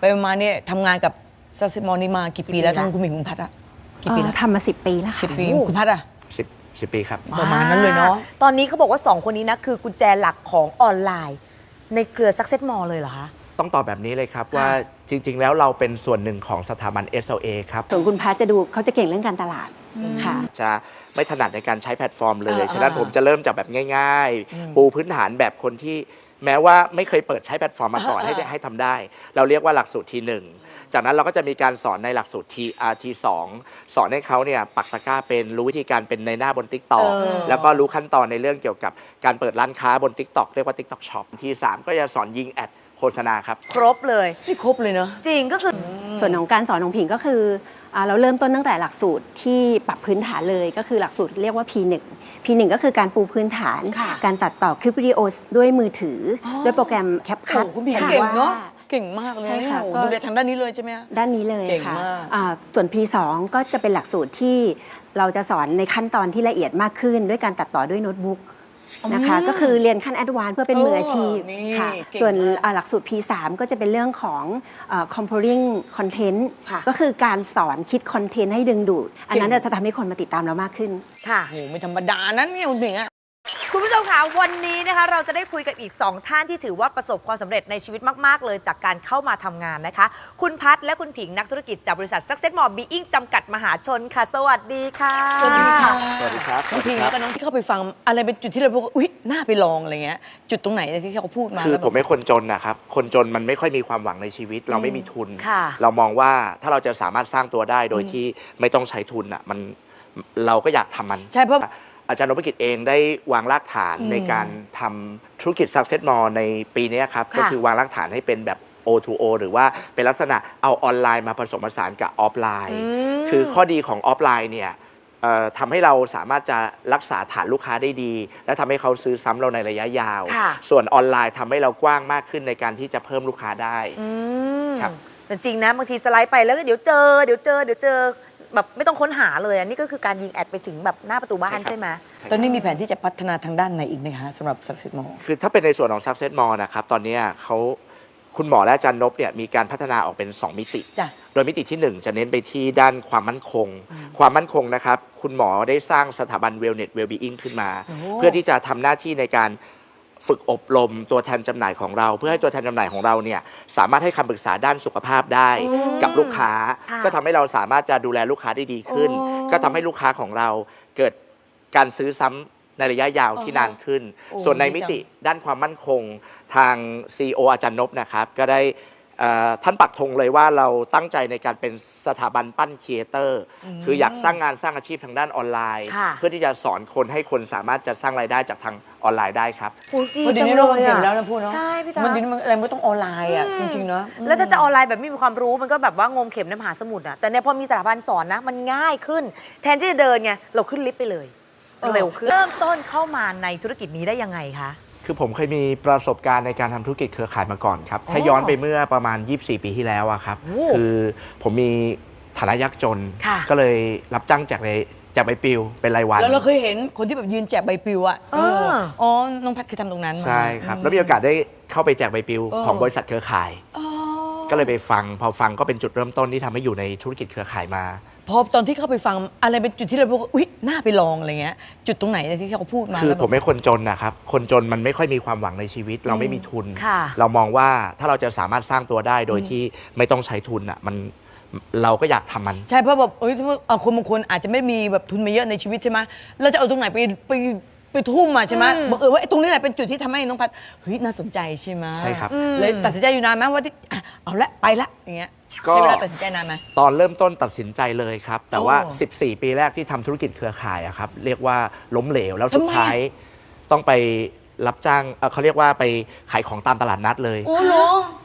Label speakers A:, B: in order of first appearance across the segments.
A: ไปมาเนี่ยทำงานกับซักเซสมอลนี่มากี่ปีแล้วทั้งคุณหมิงคุณพัดอะกี่ปีแล้ว
B: ทำมา10 ปีแล้วค่ะ
A: 10 ปีคุณพัดอะ
C: 10 ปีครับ
A: ประมาณนั้นเลยเนาะ
D: ตอนนี้เขาบอกว่า2 คนนี้นะคือกุญแจหลักของออนไลน์ในเครือ Success Mall เลยเหรอคะ
C: ต้องตอบแบบนี้เลยครับว่าจริงๆแล้วเราเป็นส่วนหนึ่งของสถาบัน SLA ครับ
B: ส่วนคุณพัชจะดูเขาจะเก่งเรื่องการตลาดค่ะ
C: จะไม่ถนัดในการใช้แพลตฟอร์มเลยฉะนั้นผมจะเริ่มจากแบบง่ายๆปูพื้นฐานแบบคนที่แม้ว่าไม่เคยเปิดใช้แพลตฟอร์มมาก่อนให้ทำได้เราเรียกว่าหลักสูตรT1จากนั้นเราก็จะมีการสอนในหลักสูตร T2 สอนให้เขาเนี่ยปักตะกร้าเป็นรู้วิธีการเป็นในหน้าบน TikTok แล้วก็รู้ขั้นตอนในเรื่องเกี่ยวกับการเปิดร้านค้าบน TikTok เรียกว่า TikTok Shop T3 ก็จะสอนยิงแอดโฆษณาครับ
D: ครบเลย
A: นี่ครบเลยเนาะ
D: จริงก็คือ
B: ส่วนของการสอนของผิงก็คือเราเริ่มต้นตั้งแต่หลักสูตรที่ปรับพื้นฐานเลยก็คือหลักสูตรเรียกว่า P1 ก็คือการปูพื้นฐานการตัดต่อคลิปวิดีโอด้วยมือถือด้วยโปรแกรม CapCut
A: คุณผิงเก่งเนาะเก่งมากเลยเนี่ยดูแลทางด้านนี้เลยใช่ไหม
B: ด้านนี้เลยค่ะส่วน P2 ก็จะเป็นหลักสูตรที่เราจะสอนในขั้นตอนที่ละเอียดมากขึ้นด้วยการตัดต่อด้วยโน้ตบุ๊กนะคะก็คือเรียนขั้นแอดวานซ์เพื่อเป็นมืออาชีพค่ะส่วนหลักสูตร P3 ก็จะเป็นเรื่องของ composing content ก็คือการสอนคิดคอนเทนต์ให้ดึงดูดอันนั้นจะทำให้คนมาติดตามเรามากขึ้น
D: ค่ะ
A: โหไม่ธรรมดานั้นเนี่ยคุณผิงอะ
D: คุณผู้ชมคะวันนี้นะคะเราจะได้คุยกับอีก2 ท่านที่ถือว่าประสบความสำเร็จในชีวิตมากๆเลยจากการเข้ามาทำงานนะคะคุณพัฒและคุณผิงนักธุรกิจจากบริษัท Success Mall Being จำกัดมหาชนค่ะสวัสดีค่ะ
A: สวัสดีค่ะ
C: สวัสดีครับ
A: น้องผิงแล้วก็น้องที่เข้าไปฟังอะไรเป็นจุดที่เราบอกอุ๊ยน่าไปลองอะไรเงี้ยจุดตรงไหนที่เขาพูดมา
C: คือผมเป็นคนจนนะครับคนจนมันไม่ค่อยมีความหวังในชีวิตเราไม่มีทุนเรามองว่าถ้าเราจะสามารถสร้างตัวได้โดยที่ไม่ต้องใช้ทุนอ่ะมันเราก็อยากทำมัน
A: ใช่เพราะ
C: อาจารย์นพกิจเองได้วางรากฐานในการทำธุรกิจ Success Mall ในปีนี้ครับก็คือวางรากฐานให้เป็นแบบ O2O หรือว่าเป็นลักษณะเอาออนไลน์มาผสมผสานกับออฟไลน์คือข้อดีของออฟไลน์เนี่ยทำให้เราสามารถจะรักษาฐานลูกค้าได้ดีและทำให้เขาซื้อซ้ำเราในระยะยาวส่วนออนไลน์ทำให้เรากว้างมากขึ้นในการที่จะเพิ่มลูกค้าได้
D: ครับแต่จริงนะบางทีสไลด์ไปแล้วก็เดี๋ยวเจอแบบไม่ต้องค้นหาเลยอันนี้ก็คือการยิงแอดไปถึงแบบหน้าประตูบ้านใช่ไหม
A: ตอนนี้มีแผนที่จะพัฒนาทางด้านไหนอีกไหมคะสำหรับ Success Mall
C: คือถ้าเป็นในส่วนของ Success Mall นะครับตอนนี้คุณหมอและอาจารย์นพเนี่ยมีการพัฒนาออกเป็น2 มิติโดยมิติที่1จะเน้นไปที่ด้านความมั่นคงนะครับคุณหมอได้สร้างสถาบัน Wellness Wellbeing ขึ้นมาเพื่อที่จะทำหน้าที่ในการฝึกอบรมตัวแทนจำหน่ายของเราเพื่อให้ตัวแทนจำหน่ายของเราเนี่ยสามารถให้คำปรึกษาด้านสุขภาพได้กับลูกค้าก็ทำให้เราสามารถจะดูแลลูกค้าได้ดีขึ้นก็ทำให้ลูกค้าของเราเกิดการซื้อซ้ำในระยะยาวที่นานขึ้นส่วนในมิติด้านความมั่นคงทาง CEO อาจารย์นพนะครับก็ได้ท่านปักธงเลยว่าเราตั้งใจในการเป็นสถาบันปั้นครีเอเตอร์คืออยากสร้างงานสร้างอาชีพทางด้านออนไลน์เพื่อที่จะสอนคนให้คนสามารถจะสร้างรายได้จากทางออนไลน์ได้ครับ
A: วันนี้เราเห็นแล้วนะพูดเนาะ
D: ใช่พี่ตา
A: มันอะไรไม่ต้องออนไลน์อ่ะจริงๆเนาะ
D: แล้วถ้าจะออนไลน์แบบไม่มีความรู้มันก็แบบว่างมเข็มในมหาสมุทรอ่ะแต่เนี่ยพอมีสถาบันสอนนะมันง่ายขึ้นแทนที่จะเดินไงเราขึ้นลิฟต์ไปเลยเร็วขึ้นเริ่มต้นเข้ามาในธุรกิจนี้ได้ยังไงคะ
C: คือผมเคยมีประสบการณ์ในการทำธุรกิจเครือข่ายมาก่อนครับถ้าย้อนไปเมื่อประมาณ24 ปีที่แล้วอะครับคือผมมีฐานะยากจนก็เลยรับจ้างแจกใบปลิวเป็นรายวัน
A: แล้วเราเคยเห็นคนที่แบบยืนแจกใบปลิวอ่ะอ๋อน้องพัดเคยทำตรงนั้น
C: ใช่ครับแล้วมีโอกาสได้เข้าไปแจกใบปลิวของบริษัทเครือข่ายก็เลยไปฟังพอฟังก็เป็นจุดเริ่มต้นที่ทำให้อยู่ในธุรกิจเครือข่ายมา
A: พอตอนที่เข้าไปฟังอะไรเป็นจุดที่เราบอกอุ๊ยน่าไปลองอะไรเงี้ยจุดตรงไหนที่เขาพูดมา
C: คือผมเป็นคนจนนะครับคนจนมันไม่ค่อยมีความหวังในชีวิตเราไม่มีทุนเรามองว่าถ้าเราจะสามารถสร้างตัวได้โดยที่ไม่ต้องใช้ทุนอ่ะมันเราก็อยากทำมัน
A: ใช่เพราะแบบคนบางคนอาจจะไม่มีแบบทุนมาเยอะในชีวิตใช่ไหมเราจะเอาตรงไหนไปทุ่มมาใช่ไหมบอกว่าตรงนี้แหละเป็นจุดที่ทำให้น้องพัดเฮ้ยน่าสนใจใช่ไหม
C: ใช่ครับ
A: เลยตัดสินใจอยู่นานไหมว่าที่เอาละไปละอย่างเงี้ยใช้เวลาตัดสินใจนานไหม
C: ตอนเริ่มต้นตัดสินใจเลยครับแต่ว่า14 ปีแรกที่ทำธุรกิจเครือข่ายอะครับเรียกว่าล้มเหลวแล้วสุดท้ายต้องไปรับจ้างเขาเรียกว่าไปขายของตามตลาดนัดเลย
A: โอ้โห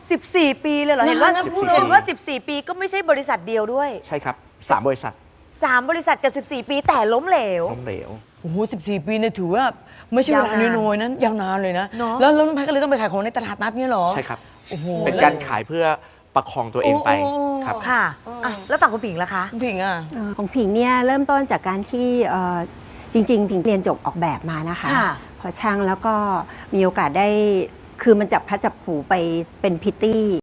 D: 14 ปีเลยเหรอเห็นว่า14 ปีก็ไม่ใช่บริษัทเดียวด้วย
C: ใช่ครับ3 บริษัท
D: 3 บริษัทกับ14 ปีแต่ล้มเหลว
A: โอ้โห14 ปีเนี่ยถือว่าไม่ใช่เวลาน้อยๆนั้นยาวนานเลยนะแล้วน้องพัดก็เลยต้องไปขายของในตลาดนัดเนี่ยหรอ
C: ใช่ครับเป็นการขายเพื่อประคองตัวเองไปครับ
D: ค่ะแล้วฝั่งคุณผิงล่ะคะ
A: คุณผิงอ่ะ
B: ของผิงเนี่ยเริ่มต้นจากการที่จริงๆผิงเรียนจบออกแบบมานะคะพอช่างแล้วก็มีโอกาสได้คือมันจับพัดจับผูไปเป็นพิตตี้